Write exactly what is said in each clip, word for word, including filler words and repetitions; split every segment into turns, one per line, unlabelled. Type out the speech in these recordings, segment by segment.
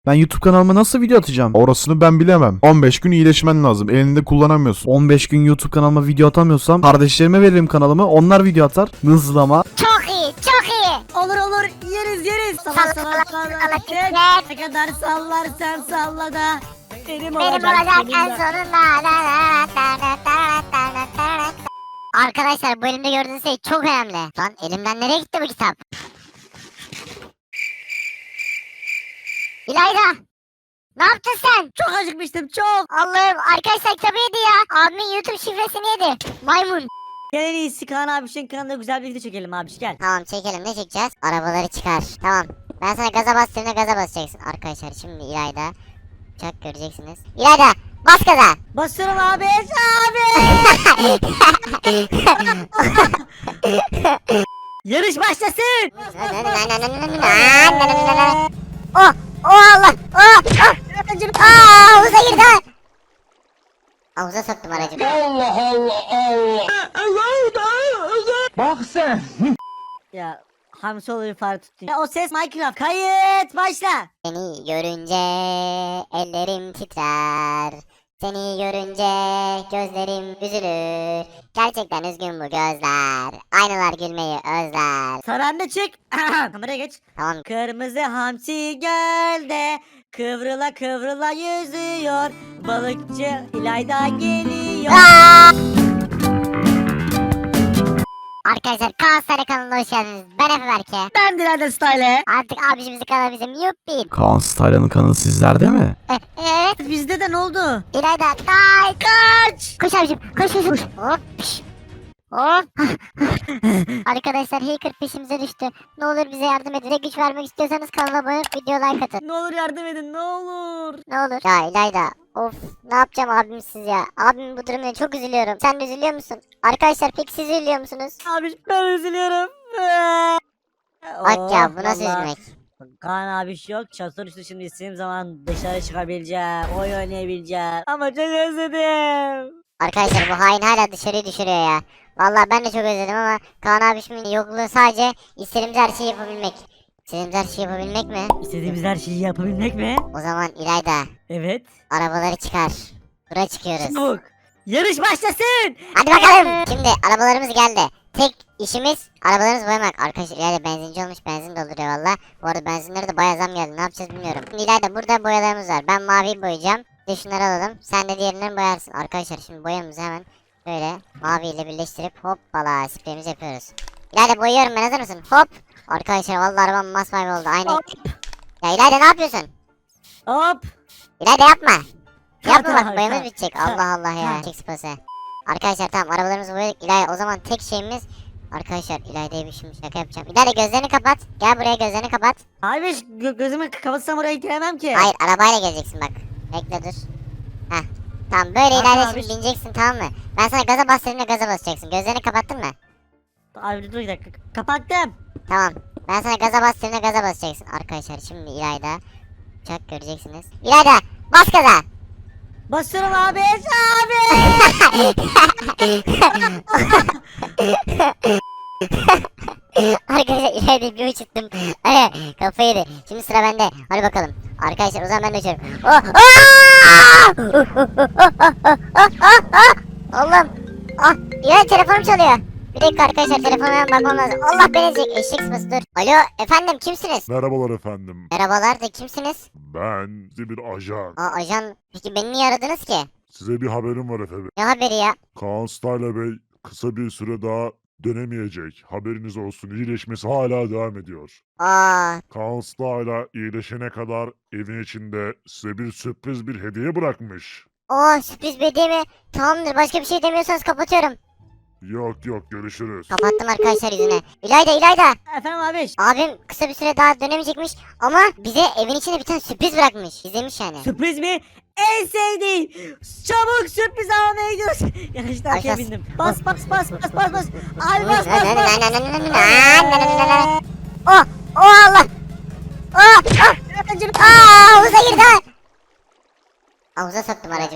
Ben YouTube kanalıma nasıl video atacağım?
Orasını ben bilemem. on beş gün iyileşmen lazım. Elinde kullanamıyorsun.
on beş gün YouTube kanalıma video atamıyorsam kardeşlerime veririm kanalımı. Onlar video atar. Hızlama.
Çok iyi, çok iyi.
Olur olur yeriz yeriz. Salla
Salla,
salla
salla,
salla.
salla,
Tek
salla.
Ne kadar sallarsan salla da benim
Benim
olacak.
olacak
senin
en
de.
sonunda. Arkadaşlar bu elimde gördüğünüz şey çok önemli. Lan elimden nereye gitti bu kitap? İlayda! Ne yaptın sen?
Çok acıkmıştım çok.
Allah'ım arkadaşlar kitabı yedi ya. Abimin YouTube şifresini yedi. Maymun.
Gel en iyisi Kaan abişin kanalında güzel bir video çekelim abiş gel.
Tamam çekelim, ne çekeceğiz? Arabaları çıkar. Tamam. Ben sana gaza bastığımda gaza basacaksın. Arkadaşlar şimdi İlayda. Uçak göreceksiniz. İlayda bas gaza.
Basıyorum abi. Abi. Yarış başlasın.
Oh! Oh Allah! Oh! Oh! Aa, havuza girdi ha! Havuza soktum aracı.
Ya hamsi olur fare tuttun. Ya o ses Minecraft. Kayıt başla.
Seni görünce ellerim titrer. Seni görünce gözlerim üzülür. Gerçekten üzgün bu gözler. Aynalar gülmeyi özler.
Saranda çık. Kameraya geç.
Tamam.
Kırmızı hamsi gölde kıvrıla kıvrıla yüzüyor. Balıkçı İlayda geliyor.
Aa! Arkadaşlar Kaan Sarı kanalına hoş geldiniz. Ben Efe Berke.
Ben Dilayda Style.
Artık abicimizin kanalı bizim yuppi.
Kaan Style'ın kanalı sizlerde mi?
Eh, Evet.
Bizde de ne oldu?
İlayda kay kaç. Koş abicim koş koş koş. Hop. piş. Hop. Arkadaşlar hacker peşimize düştü. Ne olur bize yardım edin. Bize güç vermek istiyorsanız kanala abone olup video like atın.
Ne olur yardım edin ne olur.
Ne olur. Ya İlayda. Of ne yapacağım abimsiz ya. Abim bu durumda çok üzülüyorum. Sen de üzülüyor musun? Arkadaşlar peki siz üzülüyor musunuz?
Abi ben üzülüyorum.
Bak ya bu
Oh,
nasıl
vallahi.
üzülmek?
Kaan abi yok. Çatır üstü şimdi istediğim zaman dışarı çıkabileceğim. Oyun oynayabileceğim. Ama çok özledim.
Arkadaşlar bu hain hala dışarıyı düşürüyor ya. Vallahi ben de çok özledim ama Kaan abişimin yokluğu sadece istediğimiz her şeyi yapabilmek. İstediğimiz her şeyi yapabilmek mi?
İstediğimiz her şeyi yapabilmek mi?
O zaman İlayda
Evet.
arabaları çıkar. Bura çıkıyoruz.
Çabuk. Yarış başlasın.
Hadi bakalım. Şimdi arabalarımız geldi. Tek işimiz arabalarımızı boyamak. Arkadaşlar İlayda benzinci olmuş, benzin dolduruyor valla. Bu arada benzinlere de bayağı zam geldi. Ne yapacağız bilmiyorum. Şimdi İlayda burada boyalarımız var. Ben maviyi boyayacağım. Bir de şunları alalım. Sen de diğerinden boyarsın. Arkadaşlar şimdi boyamızı hemen böyle maviyle birleştirip hoppala spreyimizi yapıyoruz. İlayda boyuyorum, ben, hazır mısın? Hop. Arkadaşlar vallahi arabam masmavi oldu. Aynı.
Hop.
Ya İlayda ne yapıyorsun?
Hop.
İlayda yapma. Yapma
Tamam,
bak, boyamız
tamam.
bitecek. Allah Allah ya.
Tamam.
Çek spası. Arkadaşlar tamam arabalarımızı boyadık. İlayda o zaman tek şeyimiz. Arkadaşlar İlayda'ya bir şimdi şaka yapacağım. İlayda gözlerini kapat. Gel buraya, gözlerini kapat.
Abi gö- gözümü kapatsam oraya giremem ki.
Hayır arabayla geleceksin bak. Bekle dur. Heh. Tamam böyle
Tamam
İlayda
abi.
şimdi bineceksin, tamam mı? Ben sana gaza bastırdığımda gaza basacaksın. Gözlerini kapattın mı?
Abi dur bir dakika. Kapattım.
Tamam. Ben sana gaza bastırdığımda gaza basacaksın. Arkadaşlar şimdi İlayda. Uçak göreceksiniz. İlayda bas gaza.
Basıyorum abi. Abi.
Arkadaşlar ileride bir uçuttum. Ay kafayı yedi. Şimdi sıra bende. Hadi bakalım. Arkadaşlar o zaman ben de uçuyorum. Oh! Aa! Allah'ım. Ah, ya telefonum çalıyor. Bir dakika arkadaşlar, telefonuma bakmam lazım. Allah beni ezecek. Eşek sıması dur. Alo efendim, kimsiniz?
Merhabalar efendim.
Merhabalar da kimsiniz?
Ben size bir ajan.
Aa ajan. Peki beni niye aradınız ki?
Size bir haberim var efendim.
Ne haberi ya?
Kaan Style Bey kısa bir süre daha dönemeyecek. Haberiniz olsun. İyileşmesi hala devam ediyor.
Aa
Kaan Style iyileşene kadar evin içinde size bir sürpriz bir hediye bırakmış.
o sürpriz bir hediye mi? Tamamdır, başka bir şey demiyorsanız kapatıyorum.
Yok yok görüşürüz.
Kapattım arkadaşlar yüzüne. İlayda İlayda.
Efendim abi.
Abim kısa bir süre daha dönemeyecekmiş ama bize evin içinde bir tane sürpriz bırakmış. Gizlemiş yani.
Sürpriz mi? En sevdiğim. Çabuk sürpriz almaya gidiyoruz. Yanlışlıkla arkaya
Aşağısı-
bindim. Bas bas bas bas bas bas. Abi bas bas bas.
Oh! Oh Allah! Oh! Oh! Aa, havuza girdi ha! Havuza soktum aracı.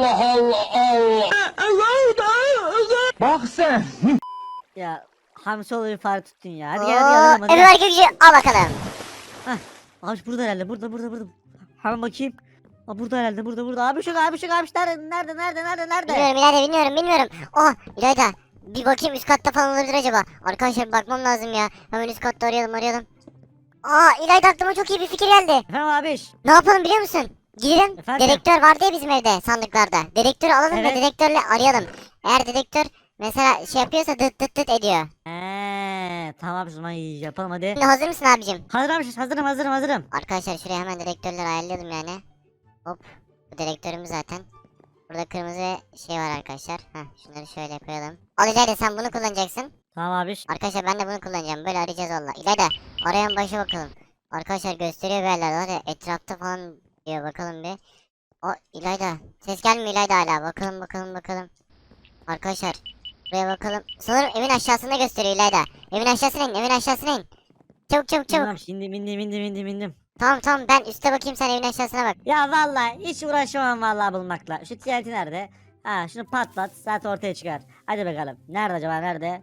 Ya hamsi olur fare tuttun ya. Hadi
Oo,
gel hadi alalım hadi.
Efe
gel.
Berke gücü al bakalım.
Hah. Abi burada herhalde burada burada burada. Hemen bakayım. Aa, burada herhalde burada burada. Abi şu abi şu abi şu nerede nerede nerede nerede nerede?
Bilmiyorum İlayda bilmiyorum bilmiyorum. Oh İlayda bir bakayım üst katta falan olabilir acaba. Arkadaşlar bir bakmam lazım ya. Hemen üst katta arayalım arayalım. Aa İlayda aklıma çok iyi bir fikir geldi.
Efendim abiş.
Ne yapalım biliyor musun? Gidelim.
Efendim?
Dedektör vardı ya bizim evde sandıklarda. Dedektörü alalım
Evet.
ve dedektörle arayalım. Eğer dedektör mesela şey yapıyorsa dıt dıt dıt ediyor.
Eee tamam o zaman yapalım hadi.
Şimdi hazır mısın abicim?
Hazırım hazırım hazırım hazırım.
Arkadaşlar şuraya hemen dedektörleri ayarlayalım yani. Hop. Bu dedektörümüz zaten. Burada kırmızı şey var arkadaşlar. Heh şunları şöyle koyalım. Al İlayda sen bunu kullanacaksın.
Tamam abiş.
Arkadaşlar ben de bunu kullanacağım. Böyle arayacağız valla. İlayda arayan başa bakalım. Arkadaşlar gösteriyor bir yerlerde. Hadi etrafta falan diyor bakalım bir. O İlayda. Ses gelmiyor İlayda hala. Bakalım bakalım bakalım. Arkadaşlar. Buraya bakalım. Sanırım evin aşağısında gösteriyor İlayda. Evin aşağısına in. Evin aşağısına in. Çabuk çabuk çabuk.
Tamam şimdi bindim bindim bindim bindim.
Tamam tamam ben üste bakayım sen evin aşağısına bak.
Ya vallahi hiç uğraşamam vallahi bulmakla. Şu T N T nerede? Ha şunu patlat zaten ortaya çıkar. Hadi bakalım. Nerede acaba nerede?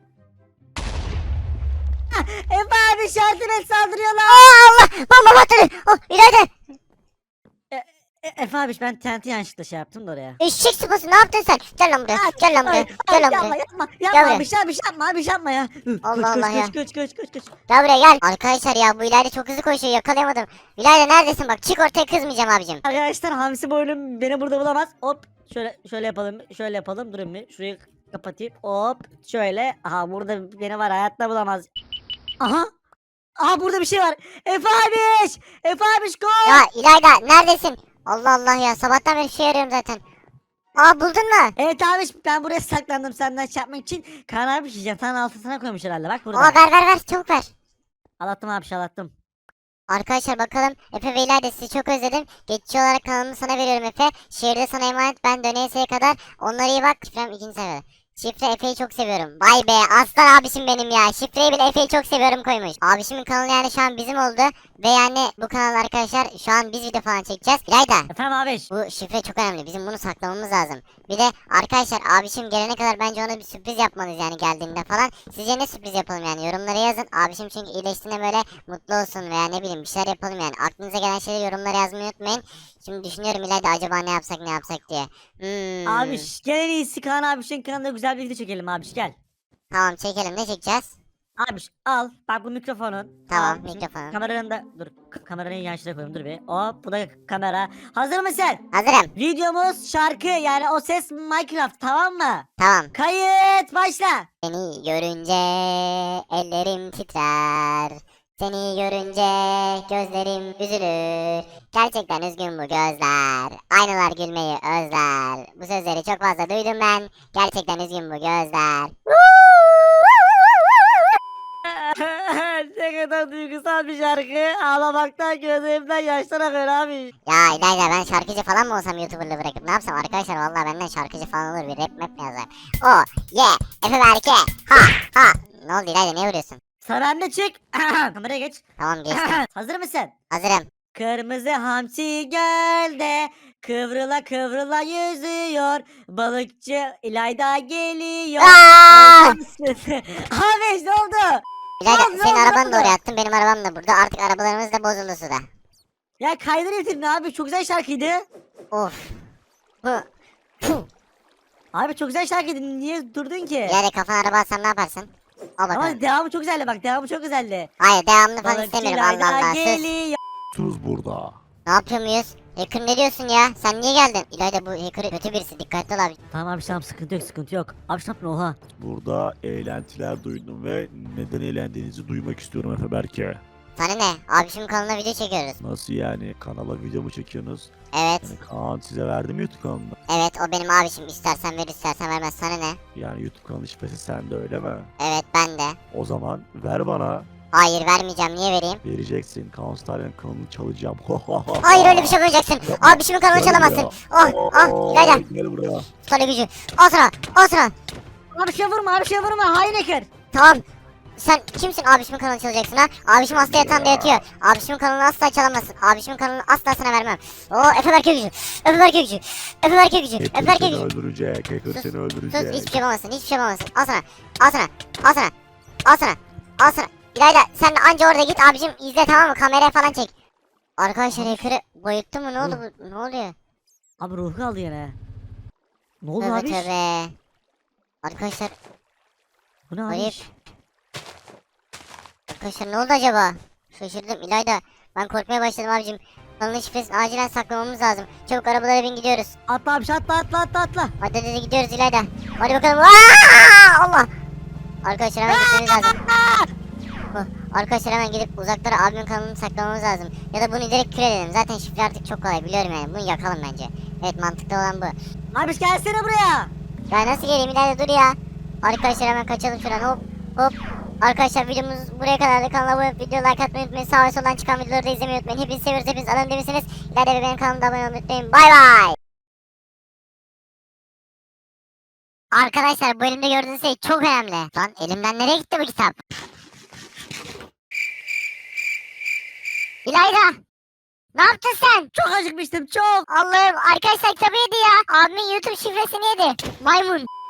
Ah, Efe abi şartına saldırıyorlar.
Aa Allah! Bomba patladı. Oh İlayda.
E, Efe abi ben T N T yanlışlıkla şey yaptım da oraya.
Eşek sıpası ne yaptın sen? Gel lan buraya. Gel lan buraya.
Ay,
Gel lan
yapma
buraya.
yapma
Gel
yapma
buraya.
bir şey bir şey yapma bir şey yapma ya.
Allah
Koş,
Allah
koş,
ya.
Koş koş koş koş koş.
Gel buraya gel. Arkadaşlar ya bu İlayda çok hızlı koşuyor yakalayamadım. İlayda neredesin bak çık ortaya kızmayacağım abicim.
Arkadaşlar hamsi boylum beni burada bulamaz. Hop şöyle şöyle yapalım şöyle yapalım durun bir şurayı kapatayım hop şöyle. Aha burada beni var hayatta bulamaz. Aha. Aha burada bir şey var. Efe abiş. Efe abiş koş.
Ya İlayda neredesin? Allah Allah ya sabahtan beri şey arıyorum zaten. Aa buldun mu?
Evet abiş ben buraya saklandım senden şey yapmak için. Kaan abiş yatağın altına koymuş herhalde bak burada.
Aa ver ver ver çabuk ver.
Alattım abiş alattım.
Arkadaşlar bakalım Efe ve İlayda sizi çok özledim. Geçici olarak kanalımı sana veriyorum Efe. Şehirde sana emanet ben döneyeseye kadar. Onlara iyi bak. Şifrem ikinci sefer. Şifre Efe'yi çok seviyorum. Vay be aslan abişim benim ya. Şifreyi bile Efe'yi çok seviyorum koymuş. Abişimin kanalı yani şu an bizim oldu. Ve yani bu kanal arkadaşlar şu an biz video falan çekeceğiz. İlayda
Efendim abiş.
bu şifre çok önemli. Bizim bunu saklamamız lazım. Bir de arkadaşlar abişim gelene kadar bence ona bir sürpriz yapmalıyız yani geldiğinde falan. Sizce ne sürpriz yapalım yani yorumlara yazın. Abişim çünkü iyileştiğinde böyle mutlu olsun veya ne bileyim bir şeyler yapalım yani. Aklınıza gelen şeyleri yorumlara yazmayı unutmayın. Şimdi düşünüyorum İlayda acaba ne yapsak ne yapsak diye. Hmm.
Abiş gel en iyisi Kaan abişin kanalında güzel bir video çekelim abiş gel.
Tamam çekelim ne çekeceğiz?
Abiş al bak bu mikrofonun.
Tamam,
Al,
mikrofonum.
Kameranın da dur k- kameranın yan şuraya koyayım dur bir. Hop bu da kamera. Hazır mısın?
Hazırım.
Videomuz şarkı yani o ses Minecraft tamam mı?
Tamam.
Kayıt başla.
Seni görünce ellerim titrer. Seni görünce gözlerim üzülür. Gerçekten üzgün bu gözler. Aynalar gülmeyi özler. Bu sözleri çok fazla duydum ben. Gerçekten üzgün bu gözler.
Ne kadar duygusal bir şarkı. Ağlamaktan gözlerimden yaşlar akıyor abi.
Ya İlayda ben şarkıcı falan mı olsam YouTuber'lığı bırakıp ne yapsam arkadaşlar vallahi benden şarkıcı falan olur bir rap map mi yazar. O ye Efe Berke ha ha. Ne oldu İlayda niye vuruyorsun?
Sıra bende çık. Kameraya geç.
Tamam geçtim.
Hazır mısın?
Hazırım.
Kırmızı hamsi gölde kıvrıla kıvrıla yüzüyor. Balıkçı İlayda geliyor.
Aa!
Abi ne oldu?
İlayda
Lan, ne
senin
oldu,
arabanı
ne
da
oldu?
oraya attım benim arabam da burada artık arabalarımız da bozuldu suda.
Ya kaydır getirdin abi çok güzel şarkıydı.
Of. Hı. Puh.
Abi çok güzel şarkıydı niye durdun ki?
İlayda kafana araba alsam ne yaparsın? Al bakalım.
Ama devamı çok güzeldi bak devamı çok güzeldi.
Hayır devamını falan
Balıkçı
istemiyorum Allah
İlayda
Allah sus.
geliyor.
Tuz burada.
Ne yapıyor muyuz? Hacker ne diyorsun ya? Sen niye geldin? İlayda bu hacker kötü birisi dikkatli ol abi.
Tamam abi tamam sıkıntı yok sıkıntı yok. Abi ne yaptın oha.
Burada eğlentiler duydum ve neden eğlendiğinizi duymak istiyorum Efe Berke.
Sana ne? Abi şimdi kanalına video çekiyoruz.
Nasıl yani? Kanala video mu çekiyorsunuz?
Evet.
Yani Kaan size verdi mi YouTube kanalını?
Evet o benim abişim. İstersen ver istersen vermez. Sana ne?
Yani YouTube kanalı şifresi sende öyle mi?
Evet ben de.
O zaman ver bana.
Hayır vermeyeceğim. Niye vereyim?
Vereceksin. Kaan Star'ın kanalını çalacağım.
Hayır öyle bir şey yapmayacaksın. Abişimin kanalını
Gel
çalamazsın.
buraya.
Oh oh İlayda.
Gel buraya.
Sana gücü. Al sana. Al sana.
Abi şey vurma abi şey vurma hain hacker.
Tamam. Sen kimsin abişimin kanalını çalacaksın ha? Abişim hasta yatağında yatıyor. Abişimin kanalını asla çalamazsın. Abişimin kanalını asla sana vermem. Oo Efe Berke gücü. Efe Berke gücü. Efe Berke gücü. Efe
Hacker
Berke
seni
gücü.
öldürecek. Hacker
Sus,
seni
Sus
öldürecek.
hiçbir şey yapamazsın. Hiçbir şey yapamazsın. Al sana. Al sana. Al sana. Al sana. Al sana. İlayda sen de anca orada git abicim izle tamam mı? Kameraya falan çek. Arkadaşlar hacker'ı bayılttı mı? Ne oldu bu? Ne oluyor?
Abi ruhu kaldı yine. Ne oldu
Tövbe
abi?
tövbe. Arkadaşlar
Bu ne abi?
ayıp. Arkadaşlar ne oldu acaba? Şaşırdım İlayda. Ben korkmaya başladım abicim. Kanalın şifresini acilen saklamamız lazım. Çabuk arabalara bin gidiyoruz.
Atla abi atla atla atla atla.
Hadi hadi gidiyoruz İlayda. Hadi bakalım. Aa, Allah. Arkadaşlar hemen gitmemiz lazım. Oh, Arkadaşlar hemen gidip uzaklara abimin kanalını saklamamız lazım. Ya da bunu direkt kür edelim. Zaten şifre artık çok kolay biliyorum yani. Bunu yakalım bence. Evet mantıklı olan bu.
Abi gelsene buraya.
Ya nasıl geleyim İlayda dur ya. Arkadaşlar hemen kaçalım şuradan hop hop. Arkadaşlar videomuz buraya kadardı. Kanala abone olup video like atmayı unutmayın. Sağ ve soldan çıkan videoları da izlemeyi unutmayın. Hepinizi seviyoruz. Hepiniz alın demişsiniz. İlayda ve benim kanalıma abone olmayı unutmayın. Bay bay. Arkadaşlar bu bölümde gördüğünüz şey çok önemli. Lan elimden nereye gitti bu kitap? İlayda! Ne yaptın sen?
Çok acıkmıştım çok.
Allah'ım arkadaşlar kitabı yedi ya. Abimin YouTube şifresini yedi. Maymun.